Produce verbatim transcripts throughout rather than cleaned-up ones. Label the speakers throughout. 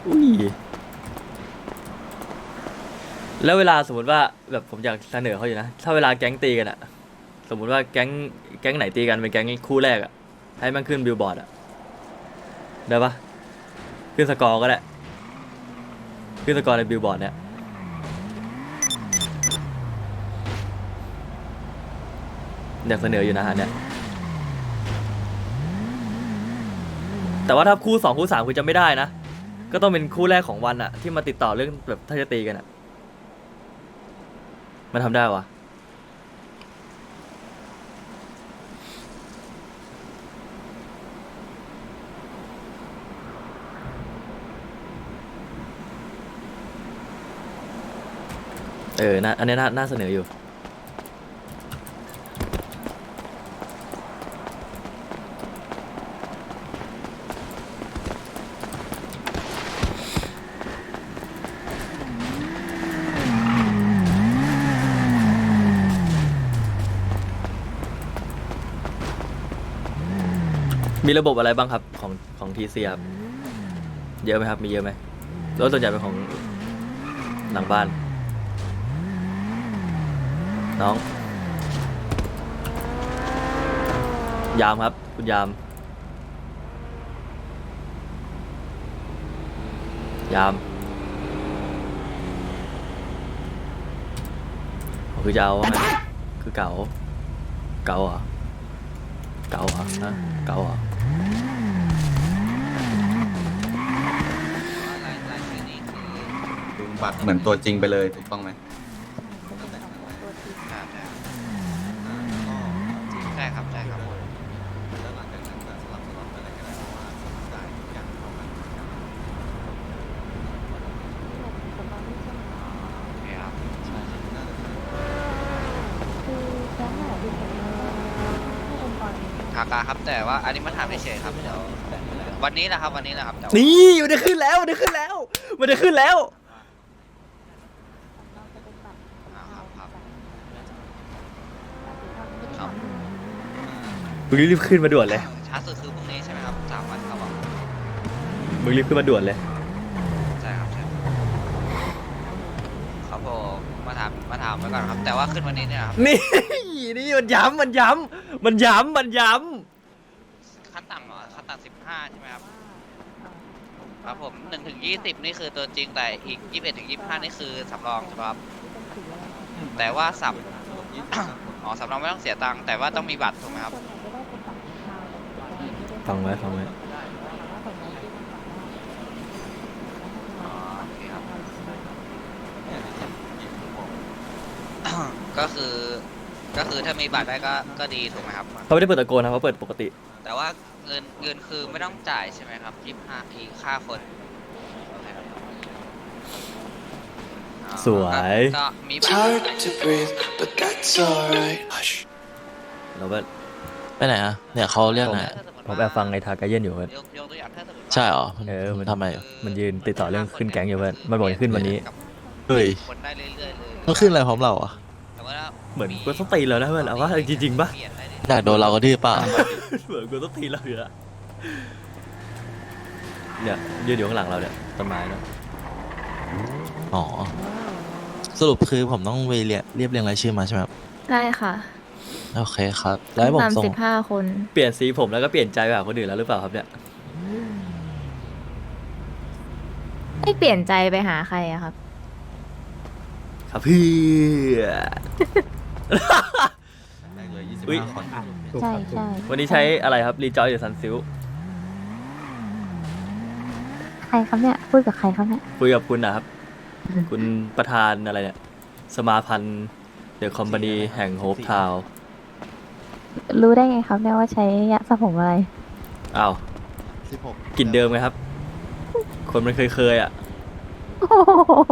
Speaker 1: อุ้ยแล้วเวลาสมมติว่าแบบผมอยากเสนอเขาอยู่นะถ้าเวลาแก๊งตีกันอะสมมติว่าแก๊งแก๊งไหนตีกันเป็นแก๊งคู่แรกอะให้มันขึ้นบิลบอร์ดอะได้ปะขึ้นสกอร์ก็ได้ขึ้นสกอร์ในบิลบอร์ดเนี่ยอยากเสนออยู่นะฮะเนี่ยแต่ว่าถ้าคู่สองคู่สามคือจะไม่ได้นะก็ต้องเป็นคู่แรกของวันอะที่มาติดต่อเรื่องแบบถ้าจะตีกันอะมันทำได้วะเออน่าอันนี้น่าน่าเสนออยู่มีระบบอะไรบ้างครับของของทีซีครับเยอะไหมครับมีเยอะไหมรถส่วนใหญ่เป็นของหลังบ้านน้องยามครับคุณยามยามคือจะเอาว่าไงคือเก๋าเก๋าเหรอเก๋าเหรอฮะเก๋าเหรอ
Speaker 2: ดูบัตรเหมือนตัวจริงไปเลยถูกต้องไหม
Speaker 3: ใช่ครับใช่ครับผม
Speaker 2: แล้วหลังจากนั้นก็สลับสลับไปอะไรก็ได้เพราะว่าจ่ายทุกอย่างเท่ากัน
Speaker 3: โอเคครับ
Speaker 4: คือแก๊งไหนที่ผมให้องค์กร
Speaker 3: ทากาครับแต่ว่าอันนี้มาถามเฉยๆครับเดี๋ยววันนี้นะครับวันนี้นะครับแต่ว่า
Speaker 1: นี่มันได้ขึ้นแล้วมันได้ขึ้นแล้วมันได้ขึ้นแล้ว
Speaker 4: เราจะเป็นแบบ
Speaker 3: อ่าครับครับ
Speaker 4: ค
Speaker 3: ครั
Speaker 4: รับ บ
Speaker 1: มึงรีบขึ้นมาด่วนเลย
Speaker 3: ช้าสุดคือพรุ่งนี้ใช่ไหมครับสามวันครับผม
Speaker 1: มึงรีบขึ้นมาด่วนเลย
Speaker 3: ใช่ครับใช่ครับผมมาถามมาถามไว้ก่อนครับ แต่ว่าขึ้นวันนี้เนี่ยครับ
Speaker 1: นี่นี่มันย้ำมันย้ำมันย้ำมันย้
Speaker 3: ขั้นต่ำเหรอขั้นต่ำสิบห้าใช่ไหมครับครับผมหนึ่งถึงยี่สิบนี่คือตัวจริงแต่อีกยี่สิบเอ็ดถึงยี่สิบห้านี่คือสำรองใช่ไหมครับแต่ว่าสับ อ๋อสำรองไม่ต้องเสียตังค์แต่ว่าต้องมีบัตรถูกไหมครับ
Speaker 4: ส่วนใหญ่จะได้เป็นบัตรประชาชน
Speaker 1: ำฟังไว้ฟังไว้
Speaker 3: อ๋อโอเคครับ ก็คือก็คือถ้ามีบัตรได้ก็ก็ดีถูกไหมครับ
Speaker 1: เขาไม่ได้เปิดตะโกนนะเขาเปิดปกติ
Speaker 3: แต่ว่าเงินเงินคือไม่ต้องจ่ายใช่ไหมครับยี่สิบห้าอีกค่าคนโอเคครับอ๋อ
Speaker 1: สวย
Speaker 3: ก็ก็มีบัตร
Speaker 5: hard to breathe, but that's alright. Hush.
Speaker 1: เราก็
Speaker 6: ไปไหนอ่ะเนี่ยเขาเรียกไหน
Speaker 1: ผมแอบฟังไอ้ทากาเย็นอยู่เพื่อน
Speaker 3: ยกยกตัวอย่างถ้าสมมติว่า
Speaker 6: ใช่เหรอ
Speaker 1: เออ
Speaker 6: มันทำอะไรอยู่
Speaker 1: มันยืนติดต่อเรื่องขึ้นแก๊งอยู่เพื่อนมันบอกจะขึ้นวันนี้
Speaker 6: เฮ้ย
Speaker 3: คนได้เรื่อยๆเลย
Speaker 6: มันขึ้นอะไรพร้อมเราอ่ะ
Speaker 3: แต่ว่า
Speaker 1: เหมือนกูต้องตีเรานะเพื่อนเอาว่าจริงๆปะ
Speaker 3: เปลี่ยนได้เรื่อยๆ
Speaker 6: อยากโดนเราก็ที่ป่ะ
Speaker 1: เหมือนกูต้องตีเราอยู่ละเนี่ยยืนอยู่ข้างหลังเราเนี่ยต้นไม้เนาะ
Speaker 6: อ๋อ สรุปคือผมต้องไปเรียบเรียบเรียงรายชื่อมาใช่ไหมครับ
Speaker 4: ได้ค่ะ
Speaker 6: โอเคครับ แล้วให้ผม
Speaker 4: สาม
Speaker 6: ส่ง
Speaker 4: สิบห้าคน
Speaker 1: เปลี่ยนสีผมแล้วก็เปลี่ยนใจไปหาคนอื่นแล้วหรือเปล่าครับเนี่ย
Speaker 4: ไม่เปลี่ยนใจไปหาใครอะครับ
Speaker 1: ครับเพื่อ
Speaker 2: แม่งเลยยี่สิบ
Speaker 1: อุ๊ย
Speaker 2: ห้าคน
Speaker 4: ใช่ใช่
Speaker 1: วันนี้ใช้อะไรครับรีจอยหรือซันซิล
Speaker 4: ใครครับเนี่ยพูดกับใครครับเนี่ย
Speaker 1: คุยกับคุณนะครับ คุณประธานอะไรเนี่ย สมาพันธ์เดอะคอมพานีแห่งโฮปทาว
Speaker 4: รู้ได้ไงครับเนี่ยว่าใช้ยาสระผมอะไร
Speaker 1: อ้าว
Speaker 2: สิบหก
Speaker 1: กลิ่นเดิมไงครับ คนมันเคยเคยๆอ่ะ
Speaker 4: โอ้โห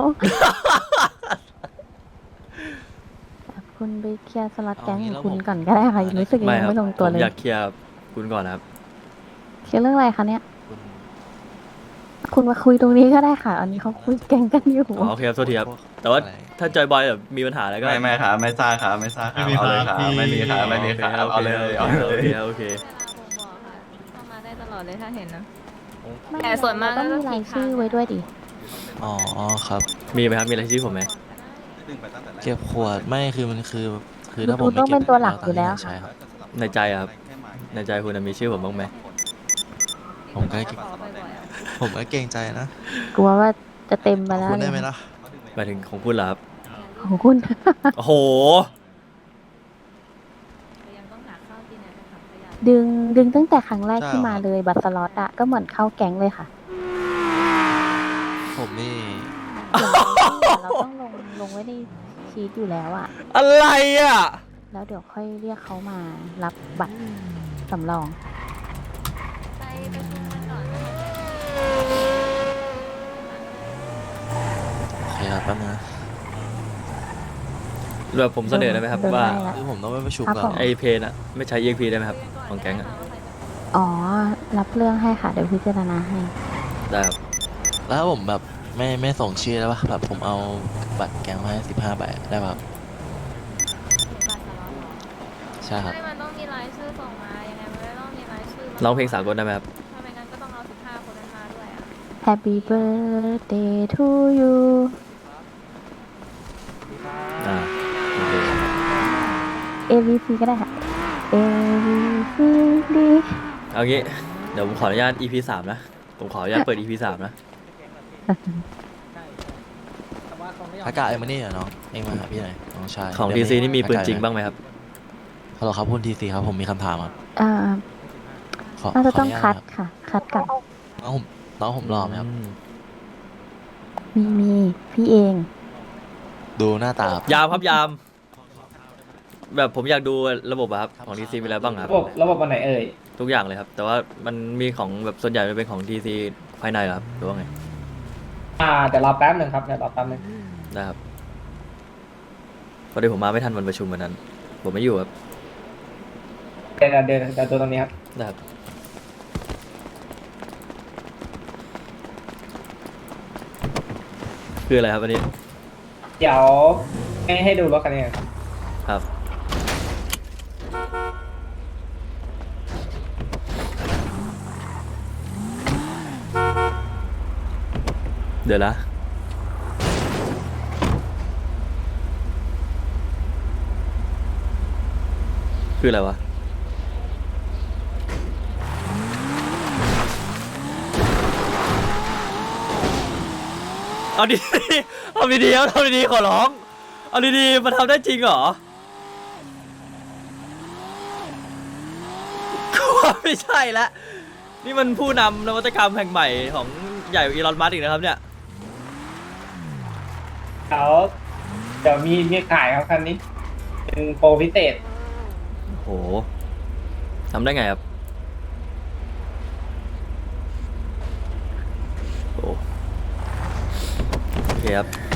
Speaker 4: คุณไปเคลียร์สล็อตแก๊งของคุณก่อนก็ได้ค่ะยังรู้สึกยัง
Speaker 1: ไม่ครับ
Speaker 4: ไม่ลงตัว
Speaker 1: ผ
Speaker 4: เล
Speaker 1: ม
Speaker 4: ย
Speaker 1: อยากเคลียร์คุณก่อนนะครับ
Speaker 4: เคลียร์เรื่องอะไรคะเนี่ย คุณมาคุยตรงนี้ก็ได้ค่ะ อันนี้เขาคุยแก๊งกันอยู่
Speaker 1: อ๋อโอเคครับโทษทีครับ แต่ว่าถ้าจอยบอยแบบมีปัญหาอะไรก็
Speaker 2: ไม่ไม่ครับไม่ซ่าครับไม่ซ่าครับเอาเลยครับไม่มีครับไม่มีครับเอาเลยเอาเลย
Speaker 1: โอเคโอเค
Speaker 4: เข้ามาได้ตลอดเลยถ้าเห็นนะไม่
Speaker 7: แต่ส่วนมาก
Speaker 4: เรต้อง
Speaker 7: ก็
Speaker 4: มี
Speaker 7: จะ
Speaker 4: ราย
Speaker 7: ทิ้ง
Speaker 4: ชื่อ
Speaker 7: ทาง
Speaker 4: ไว้ด้วยดิ
Speaker 6: อ๋อครับ
Speaker 1: มีไหมครับมีรายชื่อผมไหม
Speaker 2: ดึงไปตั้งแต่แรก
Speaker 6: เก็บขวดไม่คือมันคือคือ
Speaker 4: คือ
Speaker 6: ถ้าผม
Speaker 4: คุณต้อง
Speaker 6: ไม่เก็บ
Speaker 4: เป็นตัวหลัก
Speaker 6: ผม
Speaker 4: อยู่แล้ว
Speaker 6: ใช่
Speaker 4: ค่ะ
Speaker 6: ครับ
Speaker 1: ในใจอะครับ ในใจคุณน่ะมีชื่อผมบ้างไหม
Speaker 6: ผมก็
Speaker 7: ขอบ่อยๆอะ
Speaker 6: ผมก็เกรงใจนะ
Speaker 4: กลัวว่าจะเต็มไป
Speaker 6: ขอบ
Speaker 4: แล้ว
Speaker 6: คุณได้ไหม
Speaker 4: เนี่ย
Speaker 6: ล่ะ
Speaker 1: หมายถึงของคุณเหรอครับ
Speaker 4: ของคุณ
Speaker 1: โอ้โห
Speaker 7: ยังต้องหาข้าวกินนะถังขยะ
Speaker 4: ดึงดึงตั้งแต่ครั้งแรก
Speaker 6: ใช่
Speaker 4: ที่
Speaker 6: เหรอ
Speaker 4: มา
Speaker 6: ครับ
Speaker 4: เลยบัตรสล็อตอะก็เหมือนเข้าแก๊งเลยค่ะ
Speaker 6: ผมนี่
Speaker 4: เดี๋ยวเราต้องลงลงไว้ในชีตอยู่แล้วอะ
Speaker 1: อะไรอ่ะ
Speaker 4: แล้วเดี๋ยวค่อยเรียกเขามารับบัตรสำรอง
Speaker 7: ไปประชุมกันก่อนนะคะ
Speaker 6: โอเคครับแป๊บนึงนะ
Speaker 1: แบบผมเสนอได้ไหมครับ
Speaker 4: เดิน
Speaker 1: ว่า
Speaker 4: ได้ละ
Speaker 6: คือผมต้องไปประชุม
Speaker 4: ครับ
Speaker 6: ก่อ
Speaker 4: ผ
Speaker 6: น
Speaker 4: ม
Speaker 1: ไอเพนอะไม่ใช้ อี เอ็ก พี ได้ไหมครับ ของแก๊งอะ
Speaker 4: อ๋อ รับเรื่องให้ค่ะ เดี๋ยวพิจารณาให้
Speaker 1: ได้ครับ
Speaker 6: แล้วถ้าผมแบบไม่ไม่ส่งชื่อแล้วป่ะแบบผมเอาบัตรแกงมาให้สิบห้าใบได้ป่ะครับ
Speaker 7: บัตรสล็อตเหรอ
Speaker 6: ใช่ครับ
Speaker 7: ไม่มันต้องมีรายชื่อส่งมา ยังไงมันไม่ต้องมีรายชื่อมา
Speaker 1: ร้องเพลงสากลได้ไหมครับ
Speaker 7: ถ้าไม่งั้นก็ต้องเอาสิบห้าคนนั้นมาด้วยอ่ะ
Speaker 4: Happy birthday to you
Speaker 1: อ่าโอเค
Speaker 4: A B C ก็ได้ค่ะ A B C D
Speaker 1: เอางี้ เดี๋ยวผมขออนุญาต อี พี สามนะ ผมขออนุญาตเปิด อี พี สามนะ
Speaker 6: อากาศเอ็มมานี่เหรอน้องเองมาหาพี่หน่อยน้องชาย
Speaker 1: ของ
Speaker 6: เดี๋
Speaker 1: ที
Speaker 6: ยว
Speaker 1: ซีนี่มีปืน
Speaker 6: อากาศ
Speaker 1: จริงบ้างไหมครับ
Speaker 6: ฮัลโหลครับคุณทีซีครับผมมีคำถามครับ
Speaker 4: อ่า
Speaker 6: ขอ
Speaker 4: น่าจะ
Speaker 6: ข
Speaker 4: ต้อง
Speaker 6: นุญา
Speaker 4: คัด
Speaker 6: รับ
Speaker 4: ค่ะ คัดกับ
Speaker 6: น้องผมน้องผมรอไหมครับ
Speaker 4: มีมีพี่เอง
Speaker 6: ดูหน้าตาครับ
Speaker 1: ยามครับยาม แบบผมอยากดูระบบอะครับ ของทีซีมีอะไรบ้างครับ
Speaker 8: ระบบระบบอันไหนเอ่ย
Speaker 1: ทุกอย่างเลยครับ แต่ว่ามันมีของแบบส่วนใหญ่มันเป็นของทีซีภายในเหรอครับหรือว่าไง
Speaker 8: อ่าเดี๋ยวรอแป๊บหนึ่งครับเดี๋ยวรอแป๊บหนึ่ง
Speaker 1: ได้ครับพอดีผมมาไม่ทันวันประชุมวันนั้น ผมไม่อยู่ครับ
Speaker 8: เดี๋ยวเดี๋ยวเดี๋ยวตัวตรงนี้ครับ
Speaker 1: ได้ครับ คืออะไรครับอันนี้
Speaker 8: เดี๋ยวให้ให้ดูรถคันนี้ครับ
Speaker 1: ครับ เดี๋ยวนะ คืออะไรวะ เอาดีๆเอาดีๆเอาทำดีๆขอร้อง เอาดีๆมันทำได้จริงเหรอกูว่าไม่ใช่ละนี่มันผู้นำนวัตกรรมแห่งใหม่ของใหญ่กว่าอีลอนมัสก์อีกนะครับเนี่ย
Speaker 8: เดี๋ยวเดี๋ยวมีมีขายครับคันนี้ เป็นโปรพิเศษ
Speaker 1: โหทำได้ไงครับโอ้โอเคครับ